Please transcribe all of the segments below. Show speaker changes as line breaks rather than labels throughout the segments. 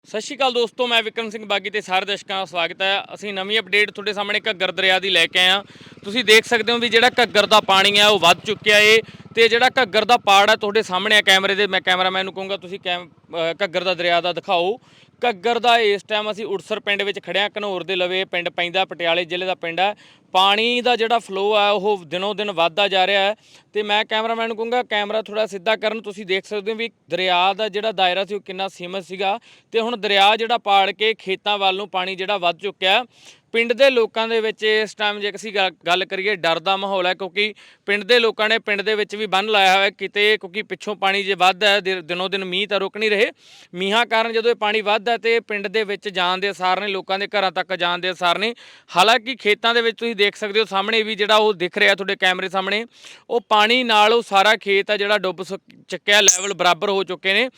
ਸਤਿ ਸ਼੍ਰੀ ਅਕਾਲ ਦੋਸਤੋ, ਮੈਂ ਵਿਕਰਮ ਸਿੰਘ ਬਾਗੀ ਤੇ ਸਾਰੇ ਦਰਸ਼ਕਾਂ ਦਾ ਸਵਾਗਤ ਹੈ। ਅਸੀਂ ਨਵੀਂ ਅਪਡੇਟ ਤੁਹਾਡੇ ਸਾਹਮਣੇ ਘੱਗਰ ਦਰਿਆ ਦੀ ਲੈ ਕੇ ਆਏ ਹਾਂ। ਤੁਸੀਂ ਦੇਖ ਸਕਦੇ ਹੋ ਵੀ ਜਿਹੜਾ ਘੱਗਰ ਦਾ ਪਾਣੀ ਹੈ ਉਹ ਵੱਧ ਚੁੱਕਿਆ ਏ ਤੇ ਜਿਹੜਾ ਘੱਗਰ ਦਾ ਪਾੜ ਹੈ ਤੁਹਾਡੇ ਸਾਹਮਣੇ ਆ ਕੈਮਰੇ ਦੇ। ਮੈਂ ਕੈਮਰਾਮੈਨ ਨੂੰ ਕਹੂੰਗਾ ਤੁਸੀਂ ਘੱਗਰ ਦਾ ਦਰਿਆ ਦਾ ਦਿਖਾਓ। ਘੱਗਰ ਦਾ ਇਸ ਟਾਈਮ ਅਸੀਂ ਉੜਸਰ ਪਿੰਡ ਵਿੱਚ ਖੜਿਆ, ਘਨੌਰ ਦੇ ਲਵੇ ਪਿੰਡ ਪੈਂਦਾ, ਪਟਿਆਲੇ ਜ਼ਿਲ੍ਹੇ ਦਾ ਪਿੰਡ ਹੈ। ਪਾਣੀ ਦਾ ਜਿਹੜਾ ਫਲੋ ਹੈ ਉਹ ਦਿਨੋਂ ਦਿਨ ਵੱਧਦਾ ਜਾ ਰਿਹਾ ਹੈ ਤੇ ਮੈਂ ਕੈਮਰਾਮੈਨ ਨੂੰ ਕਹੂੰਗਾ ਕੈਮਰਾ ਥੋੜਾ ਸਿੱਧਾ ਕਰਨ। ਤੁਸੀਂ ਦੇਖ ਸਕਦੇ ਹੋ ਵੀ ਦਰਿਆ ਦਾ ਜਿਹੜਾ ਦਾਇਰਾ ਸੀ ਉਹ ਕਿੰਨਾ ਸੀਮਤ ਸੀਗਾ ਤੇ ਹੁਣ ਦਰਿਆ ਜਿਹੜਾ ਪਾੜ ਕੇ ਖੇਤਾਂ ਵੱਲ ਨੂੰ ਪਾਣੀ ਜਿਹੜਾ ਵੱਧ ਚੁੱਕਿਆ। ਪਿੰਡ ਦੇ ਲੋਕਾਂ ਦੇ ਵਿੱਚ ਇਸ ਟਾਈਮ ਜੇ ਅਸੀਂ ਗੱਲ ਕਰੀਏ ਡਰ ਦਾ ਮਾਹੌਲ ਹੈ, ਕਿਉਂਕਿ ਪਿੰਡ ਦੇ ਲੋਕਾਂ ਨੇ ਪਿੰਡ ਦੇ ਵਿੱਚ ਵੀ ਬੰਨ੍ਹ ਲਾਇਆ ਹੋਇਆ ਕਿਤੇ, ਕਿਉਂਕਿ ਪਿੱਛੋਂ ਪਾਣੀ ਜੇ ਵੱਧਦਾ ਹੈ ਦਿਨੋਂ ਦਿਨ ਮੀਂਹ ਤਾਂ ਰੁਕ ਨਹੀਂ ਰਹੇ। ਮੀਂਹਾਂ ਕਾਰਨ ਜਦੋਂ ਇਹ ਪਾਣੀ ਵੱਧਦਾ ਤੇ ਪਿੰਡ ਦੇ ਵਿੱਚ ਜਾਣ ਦੇ ਅਸਾਰ ਨੇ, ਲੋਕਾਂ ਦੇ ਘਰਾਂ ਤੱਕ ਜਾਣ ਦੇ ਅਸਾਰ ਨੇ। ਹਾਲਾਂਕਿ ਖੇਤਾਂ ਦੇ ਵਿੱਚ ਤੁਸੀਂ ਦੇਖ ਸਕਦੇ ਹੋ ਸਾਹਮਣੇ ਵੀ ਜਿਹੜਾ ਉਹ ਦਿਖ ਰਿਹਾ ਤੁਹਾਡੇ ਕੈਮਰੇ ਸਾਹਮਣੇ, ਉਹ ਪਾਣੀ ਨਾਲ ਉਹ ਸਾਰਾ ਖੇਤ ਆ ਜਿਹੜਾ ਡੁੱਬ ਚੁੱਕਿਆ, ਲੈਵਲ ਬਰਾਬਰ ਹੋ ਚੁੱਕੇ ਨੇ।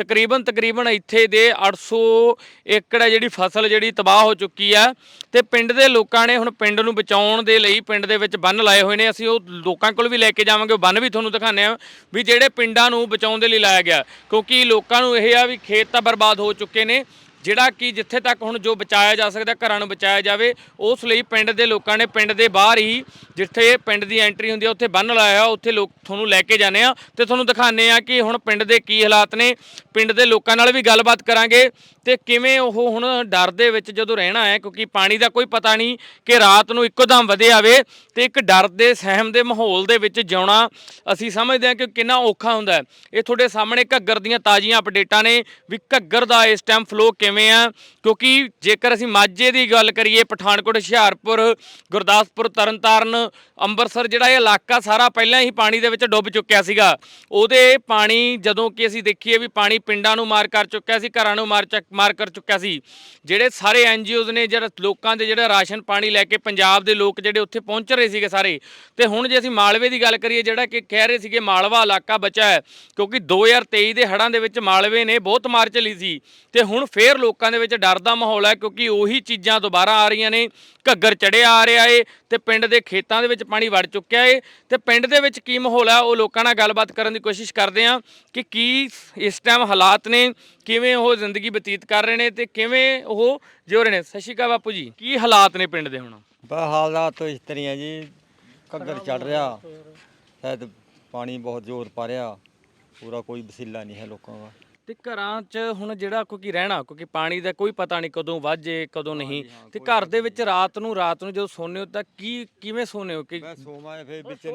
ਤਕਰੀਬਨ ਇੱਥੇ ਦੇ 800 ਏਕੜ ਹੈ ਜਿਹੜੀ ਫਸਲ ਜਿਹੜੀ ਤਬਾਹ ਹੋ ਚੁੱਕੀ ਆ ਤੇ ਪਿੰਡ ਦੇ ਲੋਕਾਂ ਨੇ ਹੁਣ ਪਿੰਡ ਨੂੰ ਬਚਾਉਣ ਦੇ ਲਈ ਪਿੰਡ ਦੇ ਵਿੱਚ ਬੰਨ ਲਾਏ ਹੋਏ ਨੇ। ਅਸੀਂ ਉਹ ਲੋਕਾਂ ਕੋਲ ਵੀ ਲੈ ਕੇ ਜਾਵਾਂਗੇ, ਉਹ ਬੰਨ ਵੀ ਤੁਹਾਨੂੰ ਦਿਖਾਉਂਦੇ ਆ ਵੀ ਜਿਹੜੇ ਪਿੰਡਾਂ ਨੂੰ ਬਚਾਉਣ ਦੇ ਲਈ ਲਾਇਆ ਗਿਆ, ਕਿਉਂਕਿ ਲੋਕਾਂ ਨੂੰ ਇਹ ਆ ਵੀ ਖੇਤ ਤਾਂ ਬਰਬਾਦ ਹੋ ਚੁੱਕੇ ਨੇ, ਜਿਹੜਾ ਕਿ ਜਿੱਥੇ ਤੱਕ ਹੁਣ ਜੋ ਬਚਾਇਆ ਜਾ ਸਕਦਾ ਘਰਾਂ ਨੂੰ ਬਚਾਇਆ ਜਾਵੇ। ਉਸ ਲਈ ਪਿੰਡ ਦੇ ਲੋਕਾਂ ਨੇ ਪਿੰਡ ਦੇ ਬਾਹਰ ਹੀ ਜਿੱਥੇ ਪਿੰਡ ਦੀ ਐਂਟਰੀ ਹੁੰਦੀ ਆ ਉੱਥੇ ਬੰਨ ਲਾਇਆ, ਉੱਥੇ ਲੋਕ ਤੁਹਾਨੂੰ ਲੈ ਕੇ ਜਾਂਦੇ ਆ ਤੇ ਤੁਹਾਨੂੰ ਦਿਖਾਉਂਦੇ ਆ ਕਿ ਹੁਣ ਪਿੰਡ ਦੇ ਕੀ ਹਾਲਾਤ ਨੇ। ਪਿੰਡ ਦੇ ਲੋਕਾਂ ਨਾਲ ਵੀ ਗੱਲਬਾਤ ਕਰਾਂਗੇ ਤੇ ਕਿਵੇਂ ਉਹ ਹੁਣ ਡਰ ਦੇ ਵਿੱਚ ਜਦੋਂ ਰਹਿਣਾ ਹੈ, ਕਿਉਂਕਿ ਪਾਣੀ ਦਾ ਕੋਈ ਪਤਾ ਨਹੀਂ ਕਿ ਰਾਤ ਨੂੰ ਇੱਕੋਦਮ ਵਧੇ ਆਵੇ ਤੇ ਇੱਕ ਡਰ ਦੇ ਸਹਿਮ ਦੇ ਮਾਹੌਲ ਦੇ ਵਿੱਚ ਜਿਉਣਾ ਅਸੀਂ ਸਮਝਦੇ ਹਾਂ ਕਿ ਕਿੰਨਾ ਔਖਾ ਹੁੰਦਾ ਹੈ। ਇਹ ਤੁਹਾਡੇ ਸਾਹਮਣੇ ਘੱਗਰ ਦੀਆਂ ਤਾਜ਼ੀਆਂ ਅਪਡੇਟਾਂ ਨੇ ਵੀ ਘੱਗਰ ਦਾ ਇਸ ਟਾਈਮ ਫਲੋ ਕਿਵੇਂ ਆ, ਕਿਉਂਕਿ ਜੇਕਰ ਅਸੀਂ ਮਾਝੇ ਦੀ ਗੱਲ ਕਰੀਏ, ਪਠਾਨਕੋਟ, ਹੁਸ਼ਿਆਰਪੁਰ, ਗੁਰਦਾਸਪੁਰ, ਤਰਨਤਾਰਨ, ਅੰਮ੍ਰਿਤਸਰ, ਜਿਹੜਾ ਇਹ ਇਲਾਕਾ ਸਾਰਾ ਪਹਿਲਾਂ ਹੀ ਪਾਣੀ ਦੇ ਵਿੱਚ ਡੁੱਬ ਚੁੱਕਿਆ ਸੀਗਾ। ਉਹਦੇ ਪਾਣੀ ਜਦੋਂ ਕਿ ਅਸੀਂ ਦੇਖੀਏ ਵੀ ਪਾਣੀ ਪਿੰਡਾਂ ਨੂੰ ਮਾਰ ਕਰ ਚੁੱਕਿਆ ਸੀ, ਘਰਾਂ ਨੂੰ ਮਾਰ ਕਰ ਚੁੱਕਿਆ ਸੀ। ਜਿਹੜੇ ਸਾਰੇ NGOs ਨੇ ਜਿਹੜਾ ਲੋਕਾਂ ਦੇ ਜਿਹੜਾ ਰਾਸ਼ਨ ਪਾਣੀ ਲੈ ਕੇ ਪੰਜਾਬ ਦੇ ਲੋਕ ਜਿਹੜੇ ਉੱਥੇ ਪਹੁੰਚ ਰਹੇ ਸੀਗੇ ਸਾਰੇ। ਤੇ ਹੁਣ ਜੇ ਅਸੀਂ ਮਾਲਵੇ ਦੀ ਗੱਲ ਕਰੀਏ, ਜਿਹੜਾ ਕਿ ਕਹਿ ਰਹੇ ਸੀਗੇ ਮਾਲਵਾ ਇਲਾਕਾ ਬਚਾ ਹੈ, ਕਿਉਂਕਿ 2023 ਦੇ ਹੜ੍ਹਾਂ ਦੇ ਵਿੱਚ ਮਾਲਵੇ ਨੇ ਬਹੁਤ ਮਾਰ ਝੱਲੀ ਸੀ ਤੇ ਹੁਣ ਫੇਰ ਲੋਕਾਂ ਦੇ ਵਿੱਚ ਡਰ ਦਾ ਮਾਹੌਲ ਹੈ, ਕਿਉਂਕਿ ਉਹੀ ਚੀਜ਼ਾਂ ਦੁਬਾਰਾ ਆ ਰਹੀਆਂ ਨੇ। ਘੱਗਰ ਚੜਿਆ ਆ ਰਿਹਾ ਏ ਤੇ ਪਿੰਡ ਦੇ ਖੇਤਾਂ ਦੇ ਵਿੱਚ ਪਾਣੀ ਵੜ ਚੁੱਕਿਆ ਏ ਤੇ ਪਿੰਡ ਦੇ ਵਿੱਚ ਕੀ ਮਾਹੌਲ ਹੈ ਉਹ ਲੋਕਾਂ ਨਾਲ ਗੱਲਬਾਤ ਕਰਨ ਦੀ ਕੋਸ਼ਿਸ਼ ਕਰਦੇ ਹਾਂ ਕਿ ਕੀ ਇਸ ਟਾਈਮ ਹਾਲਾਤ ਨੇ, ਕਿਵੇਂ ਉਹ ਜ਼ਿੰਦਗੀ ਬਤੀਤ ਕਰ ਰਹੇ ਨੇ ਤੇ ਕਿਵੇਂ ਉਹ ਜਿਉ ਰਹੇ ਨੇ। ਸਤਿ ਸ਼੍ਰੀ ਅਕਾਲ ਬਾਪੂ ਜੀ, ਕੀ ਹਾਲਾਤ ਨੇ ਪਿੰਡ ਦੇ ਹੁਣ?
ਹਾਲਾਤ तो इस तरह है जी, घग्गर चढ़ रहा, शायद पानी बहुत जोर पा रहा, पूरा कोई वसीला नहीं है लोगों का।
ਤੇ ਘਰਾਂ 'ਚ ਹੁਣ ਜਿਹੜਾ ਕਿਉਂਕਿ ਰਹਿਣਾ, ਕਿਉਂਕਿ ਪਾਣੀ ਦਾ ਕੋਈ ਪਤਾ ਨਹੀਂ ਕਦੋਂ ਵੱਜੇ ਕਦੋਂ ਨਹੀਂ, ਤੇ ਘਰ ਦੇ ਵਿੱਚ ਰਾਤ ਨੂੰ ਜਦੋਂ ਸੌਂਦੇ ਹੋ ਤਾਂ ਕਿਵੇਂ ਸੌਂਦੇ ਹੋ ਕਿ
मैं सोमा फिर बिच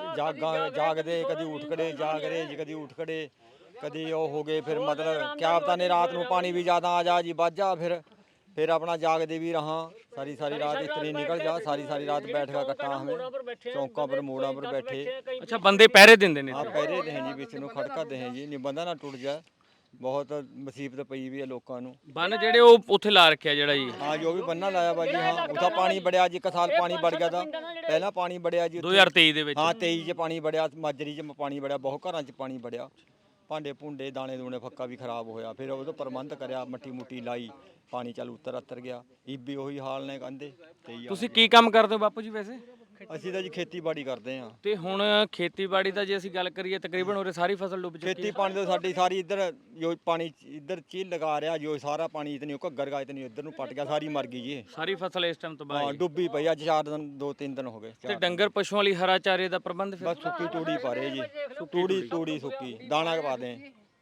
जागदे, कदी उठ खड़े जाग रहे जी, कदी उठ खड़े, कदी वो हो गए, फिर मतलब क्या पता नहीं रात में पानी भी ज़्यादा आ जा जी, बच जा, फिर अपना जागदे भी रहा सारी रात, इतनी निकल जा, सारी रात बैठ का कट्टा हमें चौंका पर मोड़ा पर बैठे।
ਅੱਛਾ, ਬੰਦੇ ਪਹਿਰੇ ਦਿੰਦੇ ਨੇ?
हाँ पहरे दे हैं जी, बिच ਨੂੰ खड़काते हैं जी, नहीं बंदा ना टूट जाए। बहुत मुसीबत पई भी है लोगों ਨੂੰ।
ਬੰਨ ਜਿਹੜੇ ਉਹ ਉੱਥੇ ਲਾ ਰੱਖਿਆ ਜਿਹੜਾ ਜੀ?
हाँ जो भी बनना लाया बाजी, हाँ उठा पानी बढ़िया जी, एक साल पानी बढ़ गया था, पहला पानी बढ़िया जी
2023 ਦੇ ਵਿੱਚ।
हाँ 23 ਚ ਪਾਣੀ बढ़िया, ਮਾਜਰੀ ਚ ਪਾਣੀ बढ़िया, ਬਹੁਤ ਘਰਾਂ ਚ ਪਾਣੀ बढ़िया, ਭਾਂਡੇ ਭੁੰਡੇ ਦਾਣੇ ਦੂਣੇ ਫੱਕਾ ਵੀ ਖਰਾਬ ਹੋਇਆ। ਫਿਰ ਉਹਦਾ ਪ੍ਰਬੰਧ ਕਰਿਆ, ਮੱਟੀ ਮੁੱਟੀ ਲਾਈ, ਪਾਣੀ ਚੱਲ ਉੱਤਰ ਗਿਆ। ਇਹ ਵੀ ਉਹੀ ਹਾਲ ਨੇ ਕਹਿੰਦੇ।
ਤੁਸੀਂ ਕੀ ਕੰਮ ਕਰਦੇ ਹੋ ਬਾਪੂ ਜੀ ਵੈਸੇ?
ਅਸੀਂ ਤਾਂ ਜੀ ਖੇਤੀਬਾੜੀ ਕਰਦੇ ਹਾਂ।
ਤੇ ਹੁਣ ਖੇਤੀਬਾੜੀ ਦਾ ਜੇ ਅਸੀਂ ਗੱਲ ਕਰੀਏ, ਤਕਰੀਬਨ ਉਰੇ ਸਾਰੀ ਫਸਲ ਡੁੱਬ ਚੁੱਕੀ ਹੈ।
ਖੇਤੀ ਪਾਣੀ ਤੋਂ ਸਾਡੀ ਸਾਰੀ ਇੱਧਰ ਜੋ ਪਾਣੀ ਇੱਧਰ ਝੀਲ ਲਗਾ ਰਿਹਾ, ਜੋ ਸਾਰਾ ਪਾਣੀ ਇਤਨੀ ਘੱਗਰ ਗਾ ਇਤਨੀ ਇੱਧਰ ਨੂੰ ਪਟ ਗਿਆ, ਸਾਰੀ ਮਰ ਗਈ ਜੀ।
ਸਾਰੀ ਫਸਲ ਇਸ ਟਾਈਮ ਤਬਾਹ
ਹਾਂ
ਹੈ,
ਡੁੱਬੀ ਪਈ। ਅੱਜ 4 ਦਿਨ 2-3 ਦਿਨ ਹੋ ਗਏ।
ਤੇ ਡੰਗਰ ਪਸ਼ੂਆਂ ਲਈ ਹਰਾ ਚਾਰੇ ਦਾ ਪ੍ਰਬੰਧ ਫਿਰ?
ਬਸ ਸੁੱਕੀ ਤੂੜੀ ਪਾ ਰਹੇ ਜੀ, ਤੂੜੀ ਸੁੱਕੀ, ਦਾਣਾ ਪਾ ਦੇ,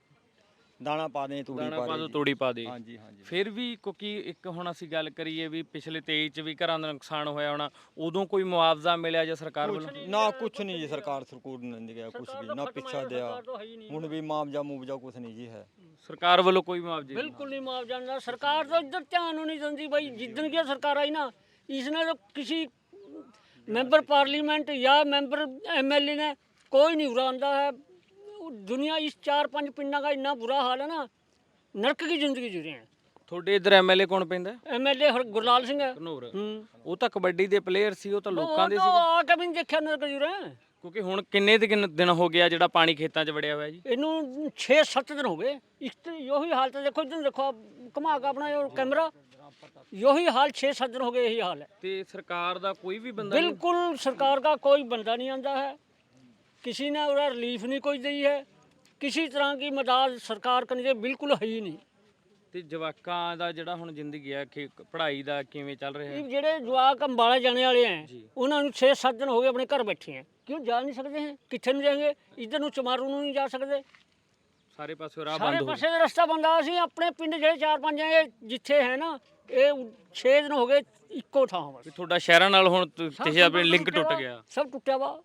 ਦਾਣਾ ਪਾ ਦੇ, ਤੂੜੀ
ਦਾਣਾ
ਪਾ
ਪਾ ਦੋ,
ਦੇ।
ਤੂੜੀ ਪਾ ਦੇ।
ਹਾਂਜੀ
ਫਿਰ ਵੀ ਕਿਉਂਕਿ ਇੱਕ ਹੁਣ ਅਸੀਂ ਗੱਲ ਕਰੀਏ ਵੀ ਪਿਛਲੇ 23 ਚ ਵੀ ਘਰਾਂ ਦਾ ਨੁਕਸਾਨ ਹੋਇਆ ਹੋਣਾ, ਉਦੋਂ ਕੋਈ ਮੁਆਵਜ਼ਾ ਮਿਲਿਆ ਜਾਂ ਸਰਕਾਰ ਵੱਲੋਂ?
ਨਾ ਕੁਛ ਨਹੀਂ ਜੀ, ਸਰਕਾਰ ਨੇ ਦਿਆ ਕੁਛ ਵੀ ਨਾ, ਪਿੱਛਾ ਦਿਆ ਹੁਣ ਵੀ ਮੁਆਵਜ਼ਾ ਕੁਛ ਨਹੀਂ ਜੀ ਹੈ।
ਸਰਕਾਰ ਵੱਲੋਂ ਕੋਈ ਮੁਆਵਜ਼ਾ
बिल्कुल नहीं मुआवजा मिला। सरकार तो इधर ध्यान नहीं देती भाई। जिदन की सरकार आई ना, इसने तो किसी मैंबर पार्लीमेंट या मैंबर MLA ने कोई नहीं बुरा आंदा है। दुनिया इस 4-5 पिंडा का इन्ना बुरा हाल है ना, नरक की जिंदगी जी रहे हैं।
ਤੁਹਾਡੇ ਇੱਧਰ MLA ਕੌਣ ਪੈਂਦਾ?
MLA गुरलाल सिंह है।
ਘਨੌਰ। ਉਹ ਤਾਂ ਕਬੱਡੀ ਦੇ ਪਲੇਅਰ ਸੀ, ਉਹ ਤਾਂ ਲੋਕਾਂ ਦੇ
तो
ਸੀ।
आके भी नहीं देखा नरक जी रहे हैं।
ਕਿਉਂਕਿ ਹੁਣ ਕਿੰਨੇ ਦਿਨ ਹੋ ਗਿਆ ਜਿਹੜਾ ਪਾਣੀ ਖੇਤਾਂ 'ਚ ਵੜਿਆ ਹੋਇਆ ਜੀ?
इनू 6-7 दिन हो गए। इस यही हाल तो देखो, इधर देखो, घुमा के अपना कैमरा, यही हाल 6-7 दिन हो गए, यही हाल है।
ਤੇ ਸਰਕਾਰ ਦਾ ਕੋਈ ਵੀ ਬੰਦਾ ਨਹੀਂ?
बिल्कुल सरकार का कोई बंदा नहीं आंदा है, किसी ने उधर रिलीफ नहीं कोई दी है, किसी तरह की मदद सरकार करनी चाहिए बिल्कुल है ही नहीं।
ਤੇ ਜਵਾਕਾਂ ਦਾ ਜਿਹੜਾ ਹੁਣ ਜ਼ਿੰਦਗੀ ਆ ਪੜ੍ਹਾਈ ਦਾ ਕਿਵੇਂ ਚੱਲ ਰਿਹਾ ਹੈ?
ਇਹ ਜਿਹੜੇ ਜਵਾਕ ਅੰਬਾਲਾ ਜਾਣੇ ਵਾਲੇ ਆ
ਜੀ।
ਉਹਨਾਂ ਨੂੰ 6-7 ਦਿਨ ਹੋ ਗਏ ਆਪਣੇ ਘਰ ਬੈਠੇ ਆ, ਕਿਉਂ ਜਾ ਨਹੀਂ ਸਕਦੇ ਹੈ, ਕਿੱਥੇ ਨੂੰ ਜਾएंगे, ਇੱਧਰ ਨੂੰ ਚਮਾਰੂ ਨੂੰ ਨਹੀਂ ਜਾ ਸਕਦੇ,
ਸਾਰੇ ਪਾਸੇ ਰਾਹ
ਸਾਰੇ
ਬੰਦ ਹੋ
ਪਾਸੇ ਦਾ ਰਸਤਾ ਬੰਦ ਆ। ਅਸੀਂ ਆਪਣੇ ਪਿੰਡ ਜਿਹੜੇ 4-5 ਆ ਜਿੱਥੇ ਹੈ ਨਾ, ਇਹ 6 ਦਿਨ ਹੋ ਗਏ ਇੱਕੋ ਥਾਂ ਬਸ।
ਗਏ। ਤੁਹਾਡਾ ਸ਼ਹਿਰਾਂ ਨਾਲ ਹੁਣ ਤੁਸੀਂ ਆਪਣੇ ਲਿੰਕ ਟੁੱਟ
ਵਾ,
ਗਿਆ।
ਸਭ ਟੁੱਟਿਆ ਵਾ।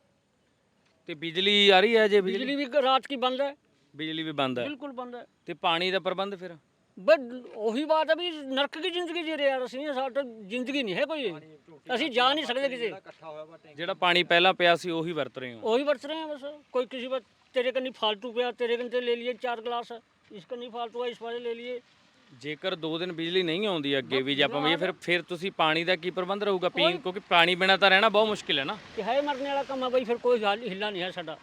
ਤੇ ਬਿਜਲੀ ਆ ਰਹੀ ਹੈ ਜੇ?
ਬਿਜਲੀ ਵੀ ਰਾਤ ਕੀ ਬੰਦ ਹੈ,
ਬਿਜਲੀ ਵੀ ਬੰਦ ਹੈ।
ਬਿਲकुल ਬੰਦ ਹੈ।
ਤੇ ਪਾਣੀ ਦਾ ਪ੍ਰਬੰਧ ਫਿਰ?
ਬਸ ਉਹੀ ਬਾਤ ਹੈ ਵੀ ਨਰਕ ਦੀ ਜ਼ਿੰਦਗੀ ਜੀ ਰਹੇ ਯਾਰ ਅਸੀਂ, ਸਾਡਾ ਜ਼ਿੰਦਗੀ ਨਹੀਂ ਹੈ ਕੋਈ, ਅਸੀਂ ਜਾ ਨਹੀਂ ਸਕਦੇ ਕਿਸੇ।
ਜਿਹੜਾ ਪਾਣੀ ਪਹਿਲਾਂ ਪਿਆ ਸੀ ਉਹੀ ਵਰਤ ਰਹੇ ਹੋ?
ਉਹੀ ਵਰਤ ਰਹੇ हैं बस। कोई किसी बात तेरे कनी फालतू पे तेरे कन से ले लिए 4 गिलास, इसका नहीं फालतू है इस वाले ले लिए।
ਜੇਕਰ 2 ਦਿਨ ਬਿਜਲੀ ਨਹੀਂ ਆਉਂਦੀ ਅੱਗੇ ਵੀ ਜੇ ਆਪਾਂ ਵੀ ਫਿਰ ਤੁਸੀਂ ਪਾਣੀ ਦਾ ਕੀ ਪ੍ਰਬੰਧ ਰਹੂਗਾ ਪੀਣ, ਕਿਉਂਕਿ ਪਾਣੀ ਬਿਨਾਂ ਤਾਂ ਰਹਿਣਾ ਬਹੁਤ ਮੁਸ਼ਕਿਲ ਹੈ ਨਾ।
कि है मरने वाला काम है भाई, फिर कोई हिला नहीं है साडा।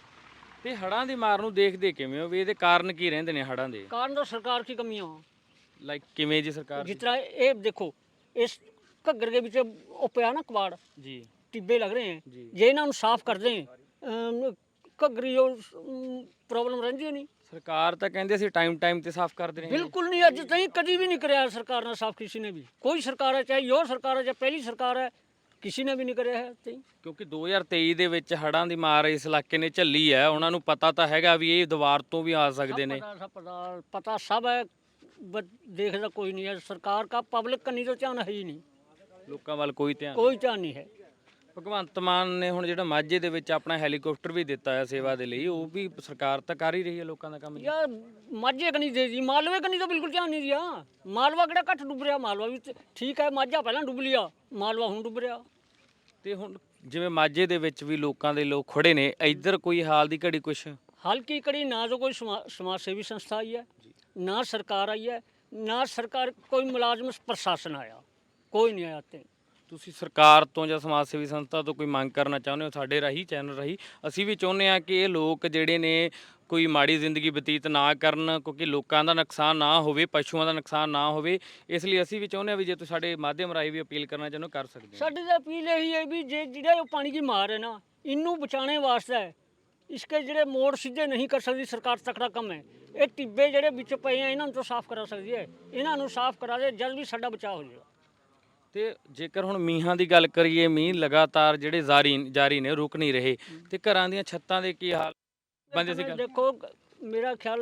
ਤੇ ਹੜਾਂ ਦੀ ਮਾਰ ਨੂੰ ਦੇਖਦੇ ਕਿਵੇਂ ਹੋ ਵੀ ਇਹਦੇ ਕਾਰਨ ਕੀ ਰਹਿੰਦੇ ਨੇ ਹੜਾਂ ਦੇ?
कारण तो सरकार की कमियां हो,
ਲਾਈਕ ਕਿਵੇਂ ਜੀ ਸਰਕਾਰ?
जिस तरह ये देखो इस घग्गर के बीच वो पिया ना कबाड़,
ਜੀ
टिब्बे लग रहे हैं,
जी।
जे इन्हों साफ कर दें घग्गरी प्रॉब्लम रही नहीं।
ਸਰਕਾਰ ਤਾਂ ਕਹਿੰਦੇ ਅਸੀਂ ਟਾਈਮ ਤੇ ਸਾਫ਼ ਕਰਦੇ ਰਹੇ।
बिल्कुल नहीं, अज तक कभी भी नहीं कराया सरकार ने साफ, किसी ने भी, कोई सरकार है चाहे यो सरकार है चाहे पहली सरकार है, किसी ने भी नहीं कराया है तई।
ਕਿਉਂਕਿ 2023 ਦੇ ਵਿੱਚ ਹੜਾਂ ਦੀ ਮਾਰ ਇਸ ਇਲਾਕੇ ਨੇ ਝੱਲੀ ਹੈ, ਉਹਨਾਂ ਨੂੰ ਪਤਾ ਤਾਂ ਹੈਗਾ ਵੀ ਇਹ ਦੁਬਾਰ ਤੋਂ ਵੀ ਆ ਸਕਦੇ ਨੇ।
पता सब है, बट देखता कोई नहीं है। सरकार का पब्लिक का नहीं तो ध्यान है ही नहीं,
ਲੋਕਾਂ ਵੱਲ ਕੋਈ ਧਿਆਨ?
कोई ध्यान नहीं है।
ਭਗਵੰਤ ਮਾਨ ਨੇ ਹੁਣ ਜਿਹੜਾ ਮਾਝੇ ਦੇ ਵਿੱਚ ਆਪਣਾ ਹੈਲੀਕਾਪਟਰ ਵੀ ਦਿੱਤਾ ਹੈ ਸੇਵਾ ਦੇ ਲਈ, ਉਹ ਵੀ ਸਰਕਾਰ ਤਾਂ ਕਰ ਹੀ ਰਹੀ ਹੈ ਲੋਕਾਂ ਦਾ ਕੰਮ ਜੀ।
यार माझे का नहीं दे दी, मालवे का नहीं तो बिल्कुल ध्यान नहीं दिया। मालवा किहड़ा घट डुब रहा, मालवा भी ठीक है, माझा पहला डुब लिया, मालवा हुण डुब रहा।
ਤੇ ਹੁਣ ਜਿਵੇਂ ਮਾਝੇ ਦੇ ਵਿੱਚ ਵੀ ਲੋਕਾਂ ਦੇ ਲੋਕ ਖੜੇ ਨੇ, ਇੱਧਰ ਕੋਈ ਹਾਲ ਦੀ ਘੜੀ ਕੁਛ?
हाल की कड़ी ना तो कोई समाज सेवी संस्था आई है, ना सरकार आई है, ना सरकार कोई मुलाजम प्रशासन आया, कोई नहीं आया। ते
ਤੁਸੀਂ ਸਰਕਾਰ ਤੋਂ ਜਾਂ ਸਮਾਜ ਸੇਵੀ ਸੰਸਥਾ ਤੋਂ ਕੋਈ ਮੰਗ ਕਰਨਾ ਚਾਹੁੰਦੇ ਹੋ? ਸਾਡੇ ਰਾਹੀਂ ਚੈਨਲ ਰਾਹੀਂ ਅਸੀਂ ਵੀ ਚਾਹੁੰਦੇ ਹਾਂ ਕਿ ਇਹ ਲੋਕ ਜਿਹੜੇ ਨੇ ਕੋਈ ਮਾੜੀ ਜ਼ਿੰਦਗੀ ਬਤੀਤ ਨਾ ਕਰਨ, ਕਿਉਂਕਿ ਲੋਕਾਂ ਦਾ ਨੁਕਸਾਨ ਨਾ ਹੋਵੇ, ਪਸ਼ੂਆਂ ਦਾ ਨੁਕਸਾਨ ਨਾ ਹੋਵੇ। ਇਸ ਲਈ ਅਸੀਂ ਵੀ ਚਾਹੁੰਦੇ ਹਾਂ ਵੀ ਜੇ ਤੁਸੀਂ ਸਾਡੇ ਮਾਧਿਅਮ ਰਾਹੀਂ ਵੀ ਅਪੀਲ ਕਰਨਾ ਚਾਹੁੰਦੇ ਹੋ ਕਰ ਸਕਦੇ ਹੋ।
साडी तो अपील यही है भी जे जिहड़ा ये पानी की मार है ना, इनू बचाने वास्ते है, इसके ਜਿਹੜੇ ਮੋੜ ਸਿੱਧੇ ਨਹੀਂ ਕਰ ਸਕਦੀ ਸਰਕਾਰ, ਤਕੜਾ ਕੰਮ ਹੈ। ਇਹ ਟਿੱਬੇ ਜਿਹੜੇ ਵਿੱਚ ਪਏ ਆ ਇਹਨਾਂ ਨੂੰ ਤਾਂ ਸਾਫ਼ ਕਰਾ ਸਕਦੀ ਹੈ, ਇਹਨਾਂ ਨੂੰ ਸਾਫ਼ ਕਰਾ ਦੇ ਜਦ ਵੀ ਸਾਡਾ ਬਚਾਅ ਹੋ ਜਾਏਗਾ।
ਤੇ ਜੇਕਰ ਹੁਣ ਮੀਂਹਾਂ ਦੀ ਗੱਲ ਕਰੀਏ, ਮੀਂਹ ਲਗਾਤਾਰ ਜਿਹੜੇ ਜਾਰੀ ਨੇ, ਰੁਕ ਨਹੀਂ ਰਹੇ, ਤੇ ਘਰਾਂ ਦੀਆਂ ਛੱਤਾਂ ਦੇ ਕੀ ਹਾਲ ਬੰਦੇ ਸੀ?
देखो मेरा ख्याल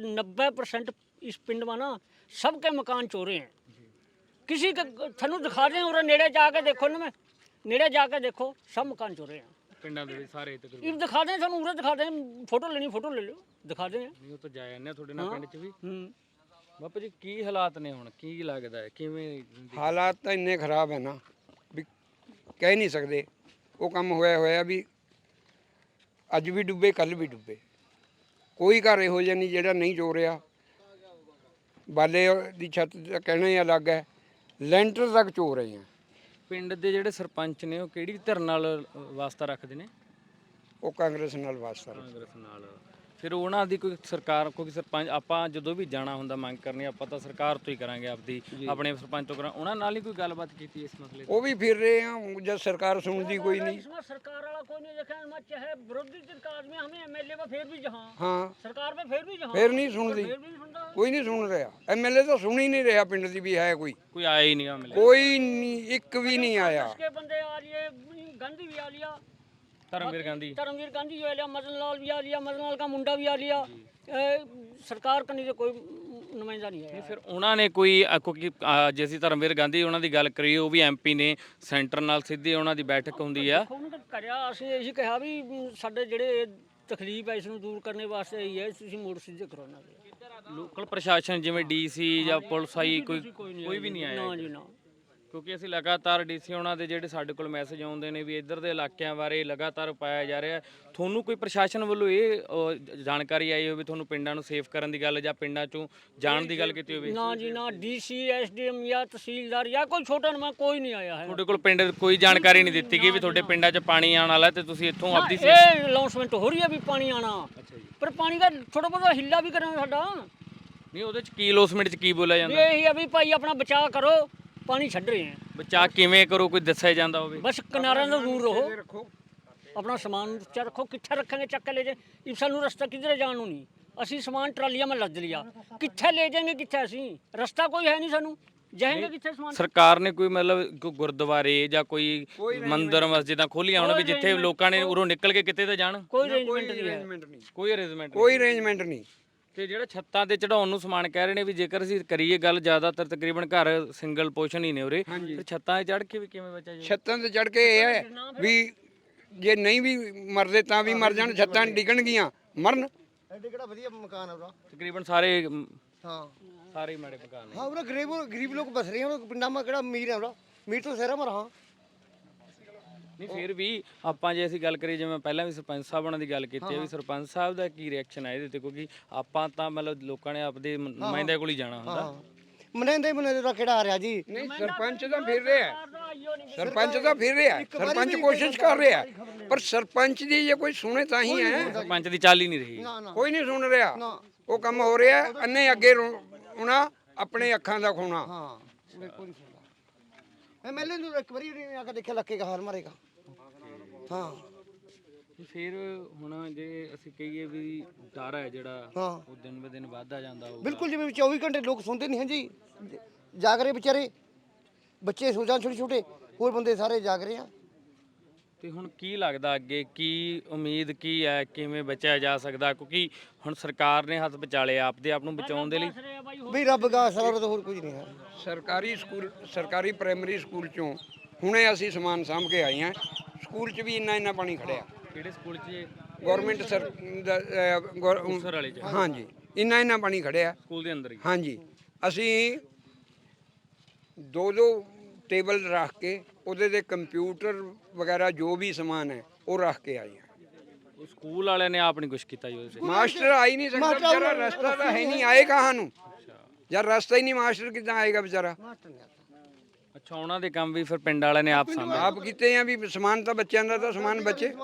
90% इस पिंड में ना सबके मकान चोरे हैं। किसी का थनू दिखा दें और नेड़े जाके देखो ना, मैं नेड़े जाके देखो सब मकान चोरे हैं
ਪਿੰਡਾਂ ਦੇ ਵਿੱਚ ਸਾਰੇ ਤਕਰੀਬਨ?
ये दिखा दें थानू, उरे दिखा दें, फोटो लेनी फोटो ले लो, दिखा दें।
ਨਹੀਂ ਉਹ ਤਾਂ ਜਾਇਆ ਨੇ ਤੁਹਾਡੇ ਨਾਲ ਪਿੰਡ 'ਚ ਵੀ। ਬਾਪੂ ਜੀ ਕੀ ਹਾਲਾਤ ਨੇ ਹੁਣ, ਕੀ ਲੱਗਦਾ ਹੈ ਕਿਵੇਂ ਜ਼ਿੰਦਗੀ?
ਹਾਲਾਤ ਤਾਂ ਇੰਨੇ ਖਰਾਬ ਹੈ ਨਾ ਵੀ ਕਹਿ ਨਹੀਂ ਸਕਦੇ। ਉਹ ਕੰਮ ਹੋਇਆ ਵੀ ਅੱਜ ਵੀ ਡੁੱਬੇ ਕੱਲ ਵੀ ਡੁੱਬੇ, ਕੋਈ ਘਰ ਇਹੋ ਜਿਹਾ ਨਹੀਂ ਜਿਹੜਾ ਨਹੀਂ ਚੋ ਰਿਹਾ। ਬਾਲੇ ਦੀ ਛੱਤ ਦਾ ਕਹਿਣਾ ਹੀ ਅਲੱਗ ਹੈ, ਲੈਂਟਰ ਤੱਕ ਚੋ ਰਹੇ ਆ।
ਪਿੰਡ ਦੇ ਜਿਹੜੇ ਸਰਪੰਚ ਨੇ ਉਹ ਕਿਹੜੀ ਧਿਰ ਨਾਲ ਵਾਸਤਾ ਰੱਖਦੇ ਨੇ?
ਉਹ ਕਾਂਗਰਸ ਨਾਲ ਵਾਸਤਾ ਰੱਖਦੇ।
ਕਾਂਗਰਸ ਨਾਲ। ਫਿਰ ਉਹਨਾਂ ਦੀ ਕੋਈ ਸਰਕਾਰ, ਕੋਈ ਸਰਪੰਚ, ਆਪਾਂ ਜਦੋਂ ਵੀ ਜਾਣਾ ਹੁੰਦਾ ਮੰਗ ਕਰਨੀ, ਆਪਾਂ ਤਾਂ ਸਰਕਾਰ ਤੋਂ ਹੀ ਕਰਾਂਗੇ, ਆਪਦੀ ਆਪਣੇ ਸਰਪੰਚ ਤੋਂ ਕਰਾਂ। ਉਹਨਾਂ ਨਾਲ ਹੀ ਕੋਈ ਗੱਲਬਾਤ ਕੀਤੀ ਇਸ ਮਸਲੇ ਤੇ?
ਉਹ ਵੀ ਫਿਰ ਰਹੇ ਆ, ਜਦ ਸਰਕਾਰ सुनती कोई नहीं।
इसमें सरकार वाला कोई नहीं देखा, मैं चाहे विरोधी दल का आदमी, हमें एमएलए में फिर भी जहां
हाँ
सरकार में फिर भी जहां
फिर नहीं सुनती,
फिर भी नहीं सुनता।
कोई नहीं सुन रहा। एमएलए तो सुन ही नहीं रहा, पिंड की भी है कोई
ਕੋਈ ਆਇਆ ਹੀ ਨਹੀਂ ਮਿਲੇ।
कोई नहीं, एक भी नहीं आया।
इसके बंदे आ लिए, गांधी भी आ लिया,
ਧਰਮਵੀਰ ਗਾਂਧੀ,
धर्मवीर गांधी जो आ लिया, मदन लाल भी आ लिया, मदन लाल का मुंडा भी आ लिया। सरकार का नहीं तो कोई नुमाइंदा नहीं है।
ਫਿਰ ਉਹਨਾਂ ਨੇ ਕੋਈ ਕਿਉਂਕਿ ਜੇ ਅਸੀਂ ਧਰਮਵੀਰ ਗਾਂਧੀ ਉਹਨਾਂ ਦੀ ਗੱਲ ਕਰੀਏ, ਉਹ ਵੀ ਐਮਪੀ ਨੇ, ਸੈਂਟਰ ਨਾਲ ਸਿੱਧੀ ਉਹਨਾਂ ਦੀ ਬੈਠਕ ਹੁੰਦੀ ਆ।
ਉਹਨੂੰ ਤਾਂ ਕਰਿਆ, ਅਸੀਂ ਇਹੀ ਕਿਹਾ ਵੀ ਸਾਡੇ ਜਿਹੜੇ ਤਕਲੀਫ ਹੈ ਇਸ ਨੂੰ ਦੂਰ ਕਰਨ ਵਾਸਤੇ ਇਹੀ ਹੈ, ਤੁਸੀਂ ਮੋੜ ਸਿੱਧੇ ਕਰੋ ਨਾ।
ਲੋਕਲ ਪ੍ਰਸ਼ਾਸਨ ਜਿਵੇਂ ਡੀਸੀ ਜਾਂ ਪੁਲਿਸ ਆਈ, ਕੋਈ ਵੀ ਨਹੀਂ ਆਇਆ?
ਨਾ ਜੀ ਨਾ।
ਕਿਉਂਕਿ ਅਸੀਂ ਲਗਾਤਾਰ ਡੀਸੀ ਉਹਨਾਂ ਦੇ ਜਿਹੜੇ ਸਾਡੇ ਕੋਲ ਮੈਸੇਜ ਆਉਂਦੇ ਨੇ ਵੀ ਇੱਧਰ ਦੇ ਇਲਾਕਿਆਂ ਬਾਰੇ ਲਗਾਤਾਰ ਪਾਇਆ ਜਾ ਰਿਹਾ। ਤੁਹਾਨੂੰ ਕੋਈ ਪ੍ਰਸ਼ਾਸਨ ਵੱਲੋਂ ਇਹ ਜਾਣਕਾਰੀ ਆਈ ਹੋਵੇ, ਤੁਹਾਨੂੰ ਪਿੰਡਾਂ ਨੂੰ ਸੇਫ ਕਰਨ ਦੀ ਗੱਲ ਜਾਂ ਪਿੰਡਾਂ ਚੋਂ ਜਾਣ ਦੀ ਗੱਲ ਕੀਤੀ ਹੋਵੇ?
ਨਾ ਜੀ ਨਾ, ਡੀਸੀ ਐਸਡੀਐਮ ਜਾਂ ਤਹਿਸੀਲਦਾਰ ਜਾਂ ਕੋਈ ਛੋਟਾ ਨਮਾ ਕੋਈ ਨਹੀਂ ਆਇਆ ਹੈ।
ਤੁਹਾਡੇ ਕੋਲ ਪਿੰਡ ਕੋਈ ਜਾਣਕਾਰੀ ਨਹੀਂ ਦਿੱਤੀ ਗਈ ਵੀ ਤੁਹਾਡੇ ਪਿੰਡਾਂ 'ਚ ਪਾਣੀ ਆਉਣ ਵਾਲਾ ਤੇ ਤੁਸੀਂ ਇੱਥੋਂ ਆਪਦੀ
ਇਹ ਅਨਾਉਂਸਮੈਂਟ ਹੋ ਰਹੀ ਹੈ ਵੀ ਪਾਣੀ ਆਣਾ,
ਅੱਛਾ ਜੀ।
ਪਰ ਪਾਣੀ ਦਾ ਥੋੜਾ ਬਹੁਤਾ ਹਿੱਲਾ ਵੀ ਕਰਨਾ ਸਾਡਾ।
ਨਹੀਂ ਉਹਦੇ 'ਚ ਕੀ ਲੋਸਮੈਂਟ 'ਚ ਕੀ ਬੋਲਿਆ
ਵੀ
ਜਾਂਦਾ?
ਇਹੀ ਹੈ ਵੀ ਭਾਈ ਆਪਣਾ ਬਚਾਅ ਕਰੋ, ਪਾਣੀ ਛੱਡ ਰਹੇ ਹੈ,
ਬਚਾ ਕਿਵੇਂ ਕਰੋ, ਕੋਈ ਦੱਸਿਆ ਜਾਂਦਾ ਹੋਵੇ?
ਬਸ ਕਿਨਾਰਿਆਂ ਤੋਂ ਦੂਰ ਰਹੋ, ਆਪਣਾ ਸਮਾਨ ਉੱਚਾ ਰੱਖੋ। ਕਿੱਥੇ ਰੱਖਾਂਗੇ ਚੱਕ ਕੇ ਲੈ ਜੇ, ਇਹ ਸਾਨੂੰ ਰਸਤਾ ਕਿਧਰੇ ਜਾਣ ਨੂੰ ਨਹੀਂ। ਅਸੀਂ ਸਮਾਨ ਟਰਾਲੀਆਂ में लद लिया, कित्थे ले जाएंगे, कित्थे ਅਸੀਂ ਰਸਤਾ ਕੋਈ ਹੈ ਨਹੀਂ ਸਾਨੂੰ, ਜਾਏंगे ਕਿੱਥੇ ਸਮਾਨ।
ਸਰਕਾਰ ਨੇ ਕੋਈ ਮਤਲਬ ਕੋਈ ਗੁਰਦੁਆਰੇ ਜਾਂ ਕੋਈ ਮੰਦਿਰ ਮਸਜਿਦਾਂ ਖੋਲੀਆਂ ਹੋਣ ਵੀ ਜਿੱਥੇ ਲੋਕਾਂ ਨੇ ਉਰੋਂ ਨਿਕਲ ਕੇ ਕਿਤੇ ਤਾਂ ਜਾਣ?
ਕੋਈ ਅਰੇਂਜਮੈਂਟ ਨਹੀਂ ਹੈ,
ਅਰੇਂਜਮੈਂਟ ਨਹੀਂ,
ਕੋਈ ਅਰੇਂਜਮੈਂਟ
ਕੋਈ ਅਰੇਂਜਮੈਂਟ ਨਹੀਂ।
ਤੇ ਜਿਹੜਾ ਛੱਤਾਂ ਤੇ ਚੜਾਉਣ ਨੂੰ ਸਮਾਨ ਕਹਿ ਰਹੇ ਨੇ ਵੀ ਜੇਕਰ ਅਸੀਂ ਕਰੀਏ ਗੱਲ, ਜ਼ਿਆਦਾਤਰ ਤਕਰੀਬਨ ਘਰ ਸਿੰਗਲ ਪੋਰਸ਼ਨ ਹੀ ਨੇ ਉਰੇ, ਫਿਰ ਛੱਤਾਂ ਤੇ ਚੜ ਕੇ ਵੀ ਕਿਵੇਂ ਬਚਿਆ ਜਾਊ?
ਛੱਤਾਂ ਤੇ ਚੜ ਕੇ ਇਹ ਹੈ ਵੀ ਜੇ ਨਹੀਂ ਵੀ ਮਰਦੇ ਤਾਂ ਵੀ ਮਰ ਜਾਣ, ਛੱਤਾਂ ਡਿੱਗਣਗੀਆਂ ਮਰਨ।
ਐਡੇ ਕਿਹੜਾ ਵਧੀਆ ਮਕਾਨ ਹੈ ਉਹਦਾ।
ਤਕਰੀਬਨ ਸਾਰੇ
ਹਾਂ
ਸਾਰੇ ਮਾੜੇ ਮਕਾਨ ਨੇ।
ਹਾਂ ਉਹਦਾ ਗਰੀਬ ਲੋਕ ਬਸ ਰਹੇ ਹਨ ਪਿੰਡਾਂ ਮਾ, ਕਿਹੜਾ ਅਮੀਰ ਹੈ ਉਹਦਾ, ਅਮੀਰ ਤੋਂ ਸਹਿਰਾ ਮਰ। ਹਾਂ
ਨਹੀਂ ਫਿਰ ਵੀ ਆਪਾਂ ਜੇ ਅਸੀਂ ਗੱਲ ਕਰੀਏ, ਜਿਵੇਂ ਪਹਿਲਾਂ ਵੀ ਸਰਪੰਚ ਸਾਹਿਬਾਂ ਦੀ ਗੱਲ ਕੀਤੀ ਹੈ, ਵੀ ਸਰਪੰਚ ਸਾਹਿਬ ਦਾ ਕੀ ਰਿਐਕਸ਼ਨ ਹੈ ਇਹਦੇ ਤੇ? ਕਿਉਂਕਿ ਆਪਾਂ ਤਾਂ ਮਤਲਬ ਲੋਕਾਂ ਨੇ ਆਪਦੇ ਨੁਮਾਇੰਦਿਆਂ ਕੋਲ ਹੀ ਜਾਣਾ ਹੁੰਦਾ।
ਮਨੇਂਦੇ ਦਾ ਕਿਹੜਾ ਆ ਰਿਹਾ ਜੀ।
ਨਹੀਂ ਸਰਪੰਚ ਤਾਂ ਫਿਰ ਰਿਹਾ, ਸਰਪੰਚ ਤਾਂ ਫਿਰ ਰਿਹਾ, ਸਰਪੰਚ ਕੋਸ਼ਿਸ਼ ਕਰ ਰਿਹਾ, ਪਰ ਸਰਪੰਚ ਦੀ ਜੇ ਕੋਈ ਸੁਣੇ ਤਾਂ ਹੀ ਹੈ।
ਸਰਪੰਚ ਦੀ ਚਾਲ ਹੀ ਨਹੀਂ ਰਹੀ।
ਨਾ ਨਾ
ਕੋਈ ਨਹੀਂ ਸੁਣ ਰਿਹਾ, ਉਹ ਕੰਮ ਹੋ ਰਿਹਾ ਅੰਨੇ ਅੱਗੇ ਰੋਣਾ, ਆਪਣੇ ਅੱਖਾਂ ਦਾ ਖੋਣਾ।
ਹਾਂ ਬਿਲਕੁਲ ਨਹੀਂ ਸੁਣਦਾ। ਐਮਐਲਏ ਨੂੰ ਇੱਕ ਵਾਰੀ ਨਹੀਂ ਆ ਕੇ ਦੇਖਿਆ, ਲੱਕੇ ਕਾ ਹਾਰ ਮਾਰੇਗਾ। ਹਾਂ
ਫਿਰ ਹੁਣ ਜੇ ਅਸੀਂ ਕਹੀਏ ਵੀ ਡਰ ਹੈ ਜਿਹੜਾ
ਹਾਂ
ਉਹ ਦਿਨ ਬ ਦਿਨ ਵੱਧਦਾ ਜਾਂਦਾ ਹੋਊਗਾ।
ਬਿਲਕੁਲ, ਜਿਵੇਂ 24 ਘੰਟੇ ਲੋਕ ਸੁਣਦੇ ਨਹੀਂ ਹਨ ਜੀ, ਜਾਗ ਰਹੇ ਵਿਚਾਰੇ, ਬੱਚੇ ਸੋ ਜਾਣ ਛੋਟੇ ਛੋਟੇ, ਹੋਰ ਬੰਦੇ ਸਾਰੇ ਜਾਗ ਰਹੇ ਆ।
ਤੇ ਹੁਣ ਕੀ ਲੱਗਦਾ ਅੱਗੇ ਕੀ ਉਮੀਦ ਕੀ ਹੈ, ਕਿਵੇਂ ਬਚਿਆ ਜਾ ਸਕਦਾ? ਕਿਉਂਕਿ ਹੁਣ ਸਰਕਾਰ ਨੇ ਹੱਥ ਵਿਚਾਲੇ ਆਪਦੇ ਆਪ ਨੂੰ ਬਚਾਉਣ ਦੇ ਲਈ।
ਵੀ ਰੱਬ ਦਾ ਸਾਰਾ ਤਾਂ ਹੋਰ ਕੁਝ ਨਹੀਂ ਹੈ।
ਸਰਕਾਰੀ ਸਕੂਲ, ਸਰਕਾਰੀ ਪ੍ਰਾਇਮਰੀ ਸਕੂਲ ਚੋਂ ਹੁਣੇ ਅਸੀਂ ਸਮਾਨ ਸਾਂਭ ਕੇ ਆਏ ਹਾਂ, ਸਕੂਲ 'ਚ ਵੀ ਇੰਨਾ ਪਾਣੀ ਖੜਿਆ।
ਕਿਹੜੇ ਸਕੂਲ 'ਚ ਇਹ?
ਗਵਰਨਮੈਂਟ ਸਰ
ਮੁਕਤਸਰ ਵਾਲੇ 'ਚ?
ਹਾਂਜੀ ਇੰਨਾ ਪਾਣੀ ਖੜਿਆ।
ਸਕੂਲ ਦੇ ਅੰਦਰ ਹੀ?
ਹਾਂਜੀ ਅਸੀਂ ਦੋ ਟੇਬਲ ਰੱਖ ਕੇ ਉਹਦੇ ਤੇ ਕੰਪਿਊਟਰ ਵਗੈਰਾ ਜੋ ਵੀ ਸਮਾਨ ਹੈ ਉਹ ਰੱਖ ਕੇ ਆਏ ਹਾਂ।
ਉਹ ਸਕੂਲ ਵਾਲਿਆਂ ਨੇ ਆਪ ਨਹੀਂ ਕੁਝ ਕੀਤਾ ਜੀ ਉਹਦੇ 'ਚ?
ਮਾਸਟਰ ਆ ਹੀ ਨਹੀਂ ਸਕਦਾ ਵਿਚਾਰਾ, ਰਸਤਾ ਤਾਂ ਹੈ ਨਹੀਂ, ਆਏ ਕਹਾਂ ਨੂੰ ਯਾਰ, ਰਸਤਾ ਹੀ ਨਹੀਂ, ਮਾਸਟਰ ਕਿੱਦਾਂ ਆਏਗਾ ਵਿਚਾਰਾ।
ਅੱਛਾ, ਉਹਨਾਂ ਦੇ ਕੰਮ ਵੀ ਫਿਰ ਪਿੰਡ ਵਾਲਿਆਂ ਨੇ ਆਪ ਸਾਂਭੇ?
ਆਪ ਕੀਤੇ ਆ ਵੀ ਸਮਾਨ ਤਾਂ ਬੱਚਿਆਂ ਦਾ ਤਾਂ ਸਮਾਨ ਬਚੇ।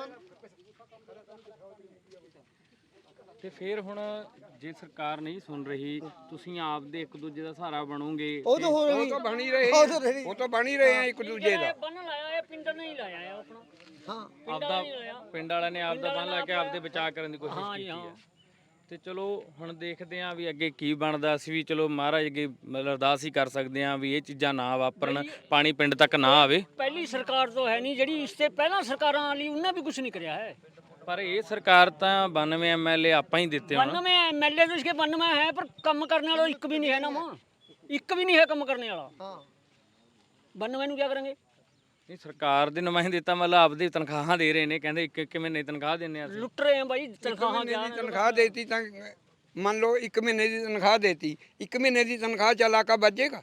ਤੇ ਫਿਰ ਹੁਣ ਜੇ ਸਰਕਾਰ ਨਹੀਂ ਸੁਣ ਰਹੀ, ਤੁਸੀਂ ਆਪਦੇ ਇੱਕ ਦੂਜੇ ਦਾ ਸਹਾਰਾ ਬਣੋਗੇ?
ਉਹ ਤਾਂ ਹੋਰ
ਉਹ ਤਾਂ ਬਣ ਹੀ ਰਹੇ, ਉਹ ਤਾਂ ਬਣ ਹੀ ਰਹੇ ਆ ਇੱਕ ਦੂਜੇ ਦਾ।
ਬੰਨ ਲਾਇਆ ਇਹ ਪਿੰਡ ਨਹੀਂ ਲਾਇਆ ਹੈ ਆਪਣਾ।
ਹਾਂ
ਆਪਦਾ ਪਿੰਡ ਵਾਲਿਆਂ ਨੇ ਆਪਦਾ ਬੰਨ ਲਾ ਕੇ ਆਪਦੇ ਬਚਾਅ ਕਰਨ ਦੀ ਕੋਸ਼ਿਸ਼ ਕੀਤੀ ਹੈ। ਤੇ ਚਲੋ ਹੁਣ ਦੇਖਦੇ ਆਂ ਵੀ ਅੱਗੇ ਕੀ ਬਣਦਾ। ਅਸੀਂ ਵੀ ਚਲੋ ਮਹਾਰਾਜ ਅੱਗੇ ਮਤਲਬ ਅਰਦਾਸ ਹੀ ਕਰ ਸਕਦੇ ਆਂ ਵੀ ਇਹ ਚੀਜ਼ਾਂ ਨਾ ਵਾਪਰਨ, ਪਾਣੀ ਪਿੰਡ ਤੱਕ ਨਾ ਆਵੇ।
ਪਹਿਲੀ ਸਰਕਾਰ ਤੋਂ ਹੈ ਨਹੀਂ ਜਿਹੜੀ, ਇਸ ਤੇ ਪਹਿਲਾਂ ਸਰਕਾਰਾਂ ਵਾਲੀ ਉਹਨਾਂ ਵੀ ਕੁਝ ਨਹੀਂ ਕਰਿਆ ਹੈ।
ਪਰ ਇਹ ਸਰਕਾਰ ਤਾਂ 92 ਐਮਐਲਏ ਆਪਾਂ ਹੀ ਦਿੱਤੇ ਹੁਣ।
92 ਐਮਐਲਏ तो इसके 92 है, पर कम करने वाला एक भी नहीं है ना मां, एक भी नहीं है कम करने वाला।
ਹਾਂ
92 ਨੂੰ क्या करेंगे?
ਨਹੀਂ ਸਰਕਾਰ ਦੇ ਨੁਮਾਇੰਦੇ ਤਾਂ ਮਤਲਬ ਆਪਦੀ ਤਨਖਾਹਾਂ ਦੇ ਰਹੇ ਨੇ, ਕਹਿੰਦੇ ਇੱਕ ਮਹੀਨੇ ਤਨਖਾਹ ਦਿੰਨੇ ਆ ਅਸੀਂ।
लुट रहे हैं भाई तनख्वाहां।
ਮਹੀਨੇ ਦੀ ਤਨਖਾਹ ਦੇਤੀ ਤਾਂ ਮੰਨ ਲਓ 1 ਮਹੀਨੇ ਦੀ ਤਨਖਾਹ ਦੇਤੀ, 1 ਮਹੀਨੇ ਦੀ ਤਨਖਾਹ ਚ ਇਲਾਕਾ ਬਚੇਗਾ?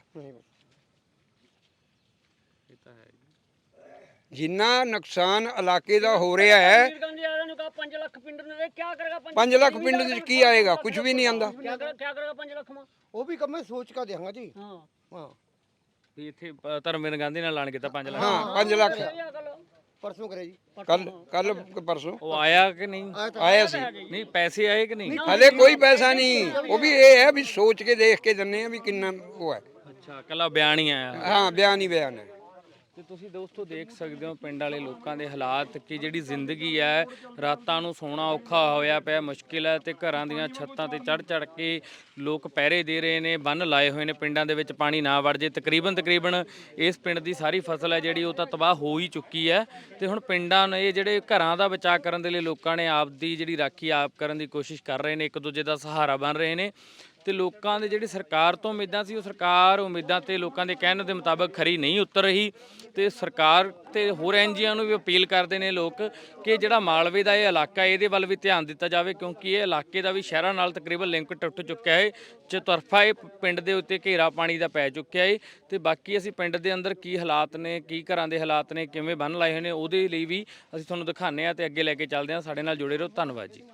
ਇਹ ਤਾਂ ਹੈ।
ਜਿੰਨਾ ਨੁਕਸਾਨ ਇਲਾਕੇ ਦਾ ਹੋ ਰਿਹਾ ਹੈ,
5 ਲੱਖ ਪਿੰਡ ਨੇ क्या करेगा?
5 ਲੱਖ ਪਿੰਡ ਦੇ ਕੀ ਆਏਗਾ? ਕੁਝ ਵੀ ਨਹੀਂ ਆਂਦਾ।
क्या करेगा 5 ਲੱਖ में?
ਉਹ ਵੀ ਕੰਮ ਮੈਂ ਸੋਚ ਕੇ ਦਿਆਂਗਾ ਜੀ।
हाँ
ਹਾਂ
ਵੀ ਇੱਥੇ ਧਰਮਵੀਰ ਗਾਂਧੀ ਨਾਲ ਐਲਾਨ ਕੀਤਾ 5 ਲੱਖ।
ਹਾਂ 5 ਲੱਖ
ਪਰਸੋਂ ਕਰੇ ਜੀ।
ਕੱਲ ਪਰਸੋਂ
ਉਹ ਆਇਆ ਕਿ ਨਹੀਂ?
ਆਇਆ ਸੀ।
ਨਹੀਂ ਪੈਸੇ ਆਏ ਕਿ ਨਹੀਂ?
ਹਲੇ ਕੋਈ ਪੈਸਾ ਨਹੀਂ, ਉਹ ਵੀ ਇਹ ਹੈ ਵੀ ਸੋਚ ਕੇ ਦੇਖ ਕੇ ਦਿੰਨੇ ਆ ਵੀ ਕਿੰਨਾ ਉਹ ਹੈ।
ਅੱਛਾ, ਕੱਲਾ ਬਿਆਨ ਹੀ ਆਇਆ।
ਹਾਂ ਬਿਆਨ ਹੀ ਬਿਆਨ ਹੈ।
ਤੇ ਤੁਸੀਂ ਦੋਸਤੋ ਦੇਖ ਸਕਦੇ ਹੋ ਪਿੰਡ ਵਾਲੇ ਲੋਕਾਂ ਦੇ ਹਾਲਾਤ, ਕਿ ਜਿਹੜੀ ਜ਼ਿੰਦਗੀ ਹੈ, ਰਾਤਾਂ ਨੂੰ ਸੌਣਾ ਔਖਾ ਹੋਇਆ ਪਿਆ, ਮੁਸ਼ਕਿਲ ਹੈ। ਤੇ ਘਰਾਂ ਦੀਆਂ ਛੱਤਾਂ ਤੇ ਚੜ ਕੇ ਲੋਕ ਪਹਿਰੇ ਦੇ ਰਹੇ ਨੇ, ਬੰਨ ਲਾਏ ਹੋਏ ਨੇ ਪਿੰਡਾਂ ਦੇ ਵਿੱਚ ਪਾਣੀ ਨਾ ਵੜ ਜੇ। ਤਕਰੀਬਨ ਇਸ ਪਿੰਡ ਦੀ ਸਾਰੀ ਫਸਲ ਹੈ ਜਿਹੜੀ ਉਹ ਤਾਂ ਤਬਾਹ ਹੋ ਹੀ ਚੁੱਕੀ ਹੈ। ਤੇ ਹੁਣ ਪਿੰਡਾਂ ਨੇ ਜਿਹੜੇ ਘਰਾਂ ਦਾ ਬਚਾਅ ਕਰਨ ਦੇ ਲਈ ਲੋਕਾਂ ਨੇ ਆਪ ਦੀ ਜਿਹੜੀ ਰਾਖੀ ਆਪ ਕਰਨ ਦੀ ਕੋਸ਼ਿਸ਼ ਕਰ ਰਹੇ ਨੇ, ਇੱਕ ਦੂਜੇ ਦਾ ਸਹਾਰਾ ਬਣ ਰਹੇ ਨੇ। ਤੇ ਲੋਕਾਂ ਦੇ ਜਿਹੜੀ ਸਰਕਾਰ ਤੋਂ ਉਮੀਦਾਂ ਸੀ, ਉਹ ਸਰਕਾਰ ਉਮੀਦਾਂ ਤੇ ਲੋਕਾਂ ਦੇ ਕਹਿਣ ਦੇ ਮੁਤਾਬਕ ਖਰੀ ਨਹੀਂ ਉਤਰ ਰਹੀ। ਤੇ ਸਰਕਾਰ ਤੇ ਹੋਰ ਐਨਜੀਓ ਨੂੰ ਵੀ ਅਪੀਲ ਕਰਦੇ ਨੇ ਲੋਕ ਕਿ ਜਿਹੜਾ ਮਾਲਵੇ ਦਾ ਇਹ ਇਲਾਕਾ, ਇਹਦੇ ਵੱਲ ਵੀ ਧਿਆਨ ਦਿੱਤਾ ਜਾਵੇ, ਕਿਉਂਕਿ ਇਹ ਇਲਾਕੇ ਦਾ ਵੀ ਸ਼ਹਿਰਾਂ ਨਾਲ ਤਕਰੀਬਨ ਲਿੰਕ ਟੁੱਟ ਚੁੱਕਿਆ ਹੈ। ਚਤੁਰਫਾ ਇਹ ਪਿੰਡ ਦੇ ਉੱਤੇ ਘੇਰਾ ਪਾਣੀ ਦਾ ਪੈ ਚੁੱਕਿਆ ਹੈ। ਤੇ ਬਾਕੀ ਅਸੀਂ ਪਿੰਡ ਦੇ ਅੰਦਰ ਕੀ ਹਾਲਾਤ ਨੇ, ਕੀ ਘਰਾਂ ਦੇ ਹਾਲਾਤ ਨੇ, ਕਿਵੇਂ ਬੰਨ ਲਾਏ ਹੋਏ ਨੇ, ਉਹਦੇ ਲਈ ਵੀ ਅਸੀਂ ਤੁਹਾਨੂੰ ਦਿਖਾਉਂਦੇ ਹਾਂ ਤੇ ਅੱਗੇ ਲੈ ਕੇ ਚੱਲਦੇ ਹਾਂ। ਸਾਡੇ ਨਾਲ ਜੁੜੇ ਰਹੋ। ਧੰਨਵਾਦ ਜੀ।